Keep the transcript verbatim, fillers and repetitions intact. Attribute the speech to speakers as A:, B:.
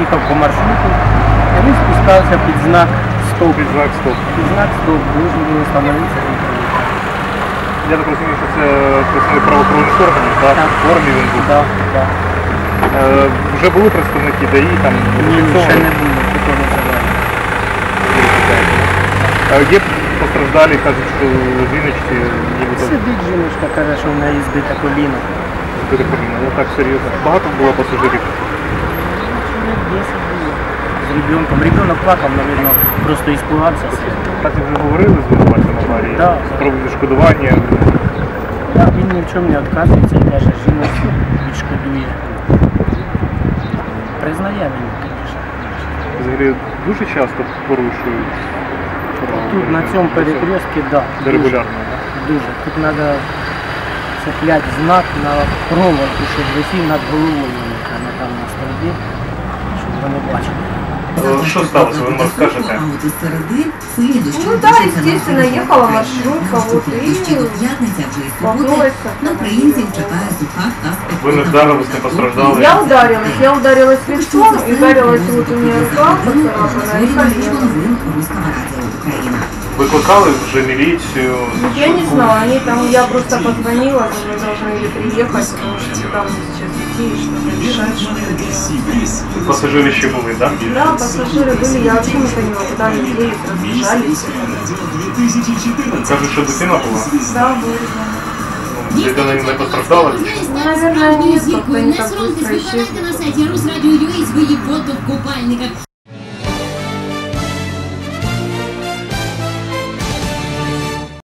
A: їхав по маршруту, і він спускався під знак стоп.
B: Під знак стоп.
A: Під знак стоп, должен був остановитися.
B: Я так розумію, що це представник правоохоронних органів, так?
A: Так.
B: В формі він був.
A: Так, так.
B: Е, вже були представники ДАІ, там
A: Ні, ще
B: зафіксовані?
A: не було, такого завдання.
B: Е, Є постраждалі, кажуть, що жіночці нібито
A: Сидить жіночка, каже, що в неї збите коліно.
B: збили коліно. Ну так серйозно. Багато було пасажирів.
A: Чоловік десять було. З ребенком. Ребенок плакав, мабуть, просто іспугався.
B: Так ви вже говорили з винуватцем аварії?
A: Да.
B: Про відшкодування.
A: Так, він ні в чому не відказується і каже, жіночку відшкодує. Признає він, звісно.
B: Взагалі дуже часто порушують.
A: Тут на цьому перекрестці, так. Да,
B: Де регулярно, так?
A: Дуже. Тут треба цепляти знак на проволоку, щоб висів над головою, яка не там на столбі, щоб вони бачили.
B: Е, Що сталося, ви нам скажете?
C: Ну да, естественно, ехала маршрутка, вот и столкнулась.
D: Українців чекає суха та
B: Ви не вдарились, не постраждали?
C: Я ударилась, я ударилась лицом, и ударилась вот у меня рука поцарапана и колено.
B: Викликали вже міліцію?
C: Я не знала, они там, я просто позвонила, что мы должны были приехать, потому что там сейчас идти и что-то решать, что-то делать.
B: Пасажири ще були, так?
C: Да, пассажиры были, я вообще не поняла, куда они делись, разбежались.
B: Кажуть, що дитина була?
C: Да, были.
B: Дитина не постраждала?
C: Ну, наверное, нет, как-то они так быстро исчезли.
D: на сайті Русрадіо.ua свої фото в купальниках.